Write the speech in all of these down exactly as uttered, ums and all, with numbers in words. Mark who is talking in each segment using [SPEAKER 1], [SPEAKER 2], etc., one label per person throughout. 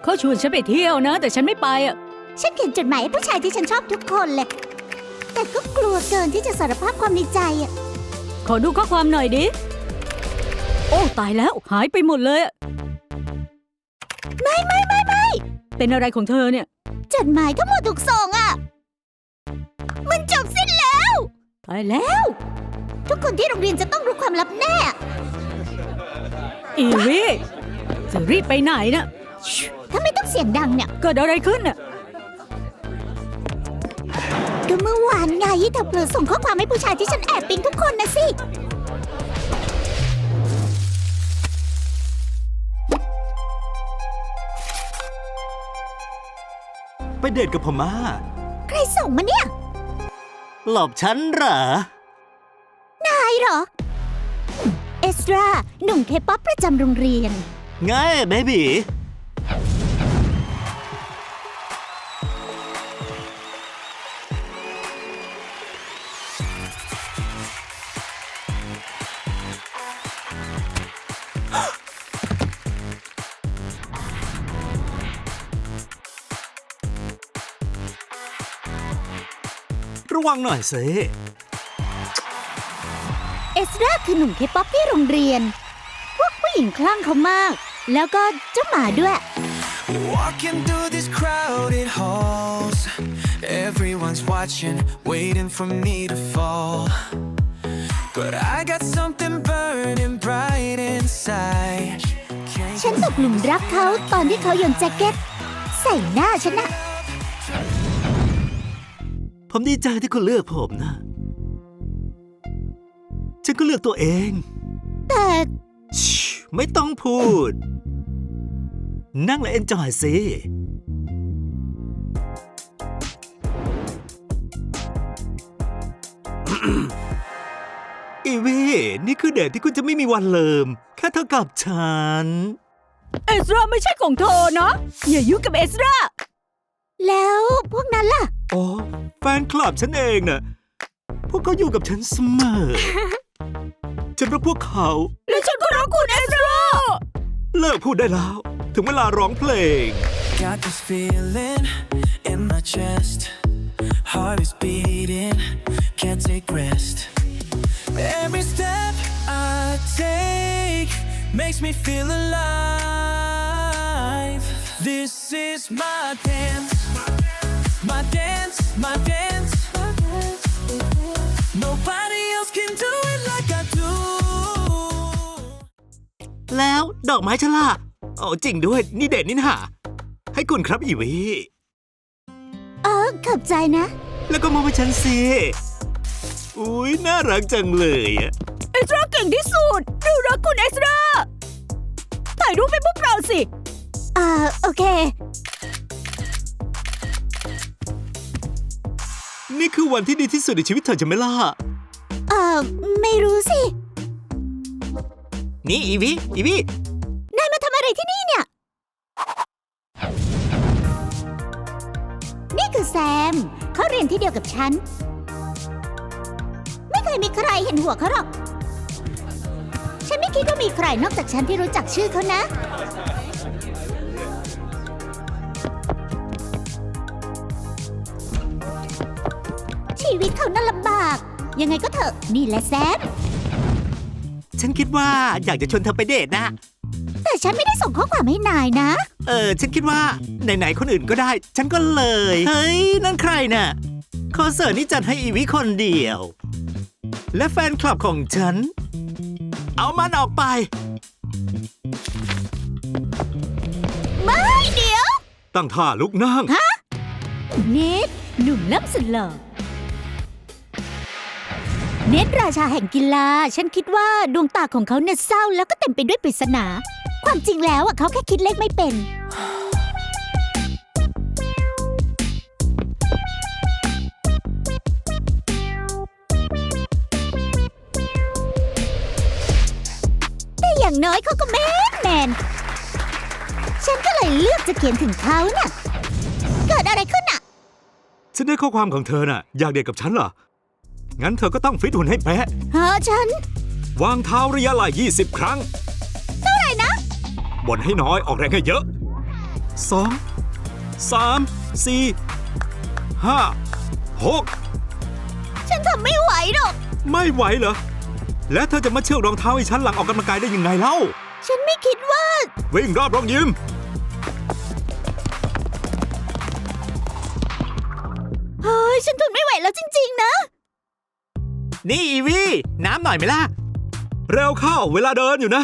[SPEAKER 1] เขาชวนฉันไปเที่ยวนะแต่ฉันไม่ไปอ่ะ
[SPEAKER 2] ฉันเขียนจดหมายให้ผู้ชายที่ฉันชอบทุกคนเลยแต่ก็กลัวเกินที่จะสารภาพความในใจอ่ะ
[SPEAKER 1] ขอดูข้อความหน่อยดิโอ้ตายแล้วหายไปหมดเลย
[SPEAKER 2] ไม่ไม่ไม่ไม่
[SPEAKER 1] เป็นอะไรของเธอเนี่ย
[SPEAKER 2] จดหมายทั้งหมดถูกส่งอ่ะมันจบสิ้นแล้ว
[SPEAKER 1] ตายแล้ว
[SPEAKER 2] ทุกคนที่โรงเรียนจะต้องรู้ความลับแน่
[SPEAKER 1] อีวีจะรีบไปไหนนะ
[SPEAKER 2] ถ้าไม่ต้องเสียงดังเนี่ย
[SPEAKER 1] เกิดอะไรขึ้นน่ะ
[SPEAKER 2] ก็เมื่อวานไงที่เธอเผลอส่งข้อความให้ผู้ชายที่ฉันแอบปิ๊งทุกคนนะสิ
[SPEAKER 3] ไปเดทกับพม่า
[SPEAKER 2] ใครส่งมาเนี่ย
[SPEAKER 3] หลอกฉันเหรอ
[SPEAKER 2] นายเหรอเอสราหนุ่มเคป๊อปประจำโรงเรียน
[SPEAKER 3] ไงเบบีระวังหน่อยสิ
[SPEAKER 2] เอสราคือหนุ่มเคป๊อปที่โรงเรียนพวกผู้หญิงคลั่งเขามากแล้วก็เจ้าหมาด้วย
[SPEAKER 4] Walking through these crowded halls Everyone's watching waiting for me to fall But I got something burning bright inside
[SPEAKER 2] ฉันตกหลุมรักเขาตอนที่เขาโยนแจ็คเก็ตใส่หน้าฉันนะ
[SPEAKER 3] ผมดีใจที่คุณเลือกผมนะฉันก็เลือกตัวเอง
[SPEAKER 2] แต่
[SPEAKER 3] ไม่ต้องพูดนั่งและเอนจอยสิอีวีนี่คือเดทที่คุณจะไม่มีวันลืมแค่เธอกับฉัน
[SPEAKER 1] เอสราไม่ใช่ของเธอนะอย่ายุ่งกับเอสรา
[SPEAKER 2] แล้วพวกนั้นล่ะ
[SPEAKER 3] โอ้แฟนคลับฉันเองน่ะพวกเขาอยู่กับฉันเสมอ ฉันรักพวกเขา
[SPEAKER 1] และฉันก็รักคุณเอสรา
[SPEAKER 3] เลิกพูดได้แล้วถึงเวลาร้องเพลง
[SPEAKER 4] Got this feeling in my chest Heart is beating Can't take rest Every step I take Makes me feel alive This is my dance My dance My dance Nobody else can do it like I do
[SPEAKER 3] แล้วดอกไม้ฉลาดโอ้จริงด้วยนี่เด็ดนี่นะให้คุณครับอีวี
[SPEAKER 2] เออขอบใจนะ
[SPEAKER 3] แล้วก็มองไปฉันสิอุ้ยน่ารักจังเลย
[SPEAKER 1] เอสราเก่งที่สุดเรารักคุณเอสราถ่ายรูปให้พวกเราสิ
[SPEAKER 2] อ่าโอเค
[SPEAKER 3] นี่คือวันที่ดีที่สุดในชีวิตเธอจะไม่ล่ะ
[SPEAKER 2] เออไม่รู้สิ
[SPEAKER 3] นี่อีวีอีวี
[SPEAKER 2] นายมาทำอะไรที่นี่เนี่ยนี่คือแซมเขาเรียนที่เดียวกับฉันไม่เคยมีใครเห็นหัวเขาหรอกฉันไม่คิดว่ามีใครนอกจากฉันที่รู้จักชื่อเขานะชีวิตเขาน่าลำบากยังไงก็เถอะนี่แหละแซม
[SPEAKER 3] ฉันคิดว่าอยากจะชวนเธอไปเดทนะ
[SPEAKER 2] แต่ฉันไม่ได้ส่งข้อความให้นายนะ
[SPEAKER 3] เออฉันคิดว่าไหนๆคนอื่นก็ได้ฉันก็เลยเฮ้ยนั่นใครน่ะคอนเสิร์ตนี้จัดให้อีวิคนเดียวและแฟนคลับของฉันเอามันออกไป
[SPEAKER 2] ไม่เดี๋ยว
[SPEAKER 3] ตั้งท่าลุกนั่ง
[SPEAKER 2] ฮะเนทหนุ่มล้ำสุดหล่อเนทราชาแห่งกีฬาฉันคิดว่าดวงตาของเขาเนี่ยเศร้าแล้วก็เต็มไปด้วยปริศนาความจริงแล้วอ่ะเขาแค่คิดเลขไม่เป็นแต่อย่างน้อยเขาก็แมนแมนฉันก็เลยเลือกจะเขียนถึงเขาน่ะเกิดอะไรขึ้นอ่ะ
[SPEAKER 3] ฉันได้ข้อความของเธอน่ะอยากเดทกับฉันเหรองั้นเธอก็ต้องฟิตหุ่นให้เป๊ะ
[SPEAKER 2] ฮะฉัน
[SPEAKER 3] วางเท้าระยะไหล่ยี่สิบครั้ง
[SPEAKER 2] เท่าไหร่นะ
[SPEAKER 3] บ่นให้น้อยออกแรงให้เยอะสอง สาม สี่ ห้า หก
[SPEAKER 2] ฉันทำไม่ไหวหรอก
[SPEAKER 3] ไม่ไหวเหรอ และเธอจะมาเชือกรองเท้าให้ฉันหลังออกกำลังกายได้ยังไงเล่า
[SPEAKER 2] ฉันไม่คิดว่า
[SPEAKER 3] วิ่งรอบโรงยิม
[SPEAKER 2] เฮ้ย ฉันทนไม่ไหวแล้วจริงๆนะ
[SPEAKER 3] นี่อีวีน้ำหน่อยไหมล่ะ เร็วเข้าเวลาเดินอยู่นะ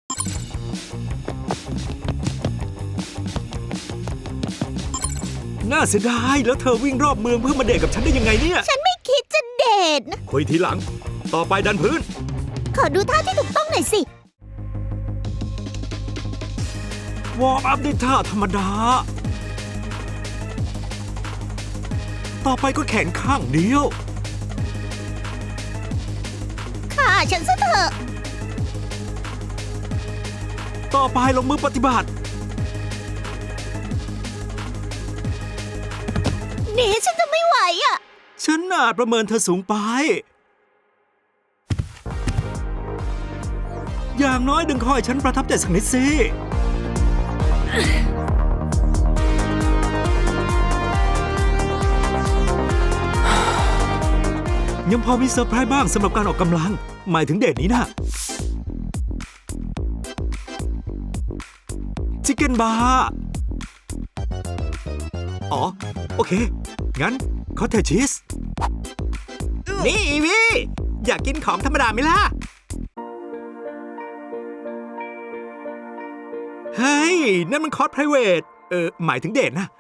[SPEAKER 3] น่าเสียดายแล้วเธอวิ่งรอบเมืองเพื่อมาเดทกับฉันได้ยังไงเนี่ย
[SPEAKER 2] ฉันไม่คิดจะเดทนะ
[SPEAKER 3] คุยทีหลัง ต่อไปดันพื้น
[SPEAKER 2] ขอดูท่าที่ถูกต้องหน่อยสิ
[SPEAKER 3] วอร์มอัพด้วยท่าธรรมดา ต่อไปก็แขนข้างเดียว
[SPEAKER 2] ค่ะ ฉันซะเถอะ
[SPEAKER 3] ต่อไปลงมือปฏิบัติ
[SPEAKER 2] นี่ฉันจะไม่ไหวอ่ะ
[SPEAKER 3] ฉันน่าประเมินเธอสูงไป อย่างน้อยดึงคอยฉันประทับใจสักนิดสิ ยังพอมีเซอร์ไพรส์บ้างสำหรับการออกกำลัง หมายถึงเดทนี้นะชิคเก้นบาร์อ๋อ โอเค งั้นคอตเทจชีส นี่อีวีอยากกินของธรรมดาไหมล่ะ เฮ้ย นั่นมันคอร์สไพรเวทเออ หมายถึงเดทนะ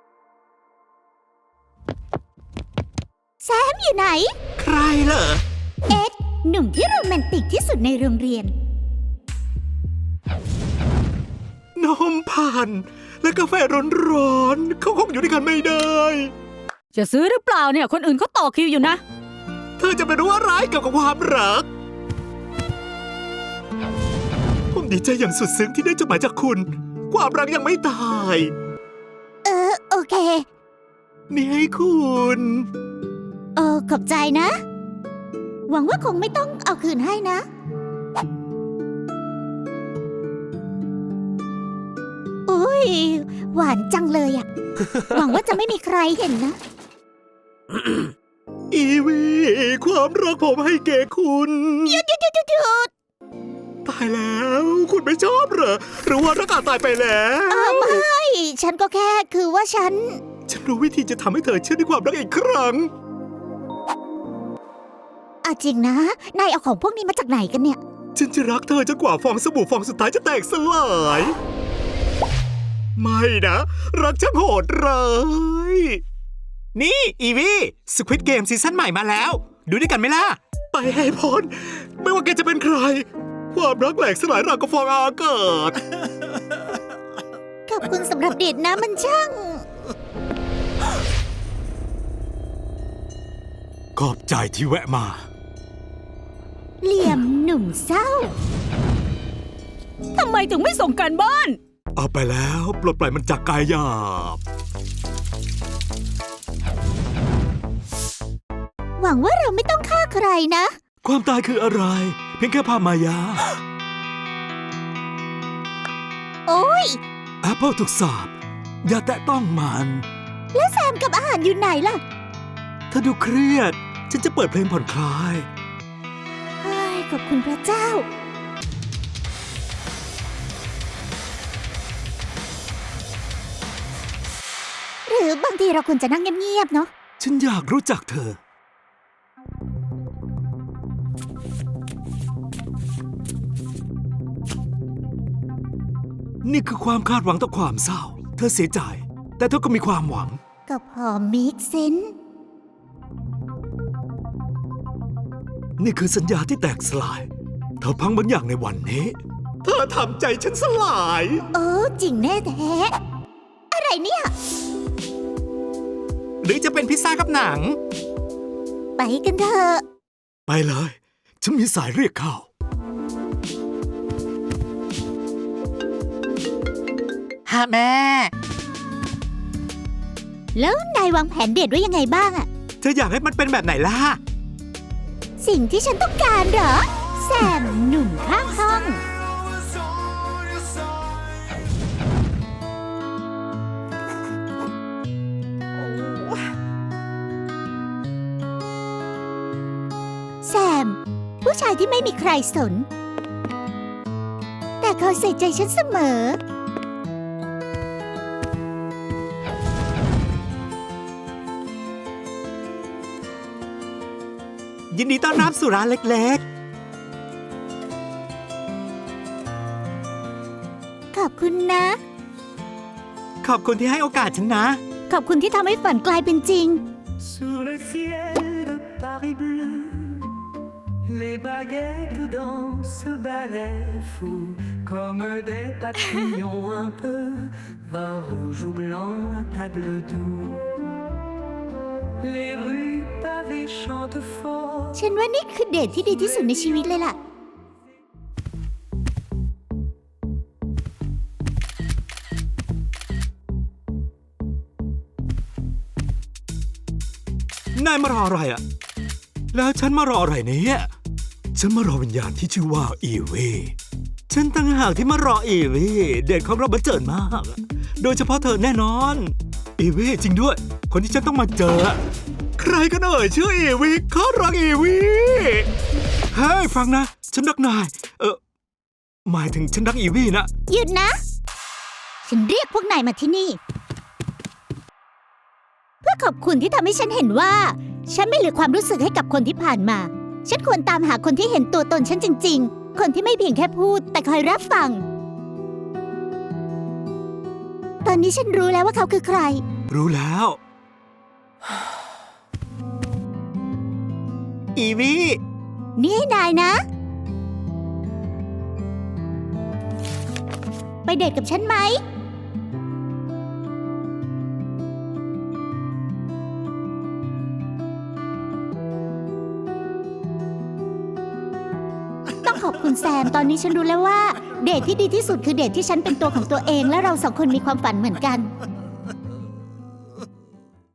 [SPEAKER 2] แซมอยู่ไหน
[SPEAKER 3] ใครเหรอ
[SPEAKER 2] เอ็ด หนุ่มที่โรแมนติกที่สุดในโรงเรียน
[SPEAKER 3] นมผ่านและกาแฟร้อนๆเขาคงอยู่ด้วยกันไม่ได้
[SPEAKER 1] จะซื้อหรือเปล่าเนี่ยคนอื่นเขาต่อคิวอยู่นะ
[SPEAKER 3] เธอจะไปรู้อะไรเกี่ยวกับความรัก ผมดีใจอย่างสุดซึ้งที่ได้จดหมายจากคุณ ความรักยังไม่ตาย
[SPEAKER 2] เออ โอเค
[SPEAKER 3] นี่ให้คุณ
[SPEAKER 2] เออ ขอบใจนะ หวังว่าคงไม่ต้องเอาคืนให้นะ อุ้ย หวานจังเลยอะ หวังว่าจะไม่มีใครเห็นนะ
[SPEAKER 3] อีวีความรักผมให้แก่คุณ
[SPEAKER 2] หยุดหยุดหยุดหยุดหยุด
[SPEAKER 3] ตายแล้ว คุณไม่ชอบเหรอ หรือว่ารักอาจตายไปแล้ว
[SPEAKER 2] เออไม่ ฉันก็แค่คือว่าฉัน
[SPEAKER 3] ฉันรู้วิธีจะทำให้เธอเชื่อในความรักอีกครั้ง
[SPEAKER 2] อ่ะจริงนะ นายเอาของพวกนี้มาจากไหนกันเนี่ย
[SPEAKER 3] ฉันจะรักเธอจนกว่าฟองสบู่ฟองสุดท้ายจะแตกสลาย ไม่นะ รักช่างโหดร้ายนี่อีวีสควิดเกมซีซั่นใหม่มาแล้ว ดูด้วยกันไหมล่ะ ไปให้พ้นไม่ว่าแกจะเป็นใคร ความรักแหลกสลายราวกับฟองอากาศ
[SPEAKER 2] ขอบคุณสำหรับเดทนะมันช่าง
[SPEAKER 3] ขอบใจที่แวะมา
[SPEAKER 2] เหลี่ยมหนุ่มเศร้า
[SPEAKER 1] ทำไมถึงไม่ส่งการบ้าน
[SPEAKER 3] เอาไปแล้วปลดปล่อยมันจากกายหยาบ
[SPEAKER 2] หวังว่าเราไม่ต้องฆ่าใครนะ
[SPEAKER 3] ความตายคืออะไร เพียงแค่ภาพมายา
[SPEAKER 2] โอ้ย
[SPEAKER 3] แอปเปิลถูกสาปอย่าแตะต้องมัน
[SPEAKER 2] แล้วแซมกับอาหารอยู่ไหนล่ะ
[SPEAKER 3] เธอดูเครียด ฉันจะเปิดเพลงผ่อนคลาย
[SPEAKER 2] เฮ้ย ขอบคุณพระเจ้า หรือบางทีเราควรจะนั่งเงียบๆเนาะ
[SPEAKER 3] ฉันอยากรู้จักเธอ นี่คือความคาดหวังต่อความเศร้า เธอเสียใจ แต่เธอก็มีความหวัง
[SPEAKER 2] ก็พอมิกเซน
[SPEAKER 3] นี่คือสัญญาที่แตกสลาย เธอพังบางอย่างในวันนี้ เธอทำใจฉันสลาย
[SPEAKER 2] เออจริงแน่แท้ อะไรเนี่ย
[SPEAKER 3] หรือจะเป็นพิซซ่ากับหนัง
[SPEAKER 2] ไปกันเถอะ
[SPEAKER 3] ไปเลย ฉันมีสายเรียกเข้า ฮะแม่
[SPEAKER 2] แล้วนายวางแผนเดทไว้ยังไงบ้างอะ
[SPEAKER 3] เธออยากให้มันเป็นแบบไหนล่ะ
[SPEAKER 2] สิ่งที่ฉันต้องการเหรอ แซมหนุ่มข้างห้องผู้ชายที่ไม่มีใครสน แต่เขาใส่ใจฉันเสมอ
[SPEAKER 3] ยินดีต้อนรับสู่ร้านเล็ก
[SPEAKER 2] ขอบคุณนะ
[SPEAKER 3] ๆ ขอบคุณที่ให้โอกาสฉันนะ
[SPEAKER 2] ขอบคุณที่ทำให้ฝันกลายเป็นจริง
[SPEAKER 4] Sous le ciel de Paris bleu, les baguettes dansent ce ballet fou, comme des papillons un peu, vin rouge ou blanc, un table doux. Les rues pavées chantent fort.
[SPEAKER 2] ฉันว่านี่คือเดทที่ดีที่สุดในชีวิตเลยล่ะ
[SPEAKER 3] นายมารออะไรอ่ะ แล้วฉันมารออะไรเนี่ย ฉันมารอวิญญาณที่ชื่อว่าอีวีฉันตั้งหากที่มารออีวีเดทของเราบันเจิดมาก โดยเฉพาะเธอแน่นอน อีวีจริงด้วย คนที่ฉันต้องมาเจอ ใครกันเอ่ยชื่ออีวีเขารักอีวีเฮ้ยฟังนะ ฉันรักนาย เออหมายถึงฉันรักอีวีนะ
[SPEAKER 2] หยุดนะ ฉันเรียกพวกนายมาที่นี่ เพื่อขอบคุณที่ทำให้ฉันเห็นว่า ฉันไม่เหลือความรู้สึกให้กับคนที่ผ่านมา ฉันควรตามหาคนที่เห็นตัวตนฉันจริงๆ คนที่ไม่เพียงแค่พูด แต่คอยรับฟัง ตอนนี้ฉันรู้แล้วว่าเขาคือใคร
[SPEAKER 3] รู้แล้ว อีวี
[SPEAKER 2] นี่ให้นายนะ ไปเดทกับฉันไหม ต้องขอบคุณแซม ตอนนี้ฉันรู้แล้วว่า เดทที่ดีที่สุดคือเดทที่ฉันเป็นตัวของตัวเอง และเราสองคนมีความฝันเหมือนกัน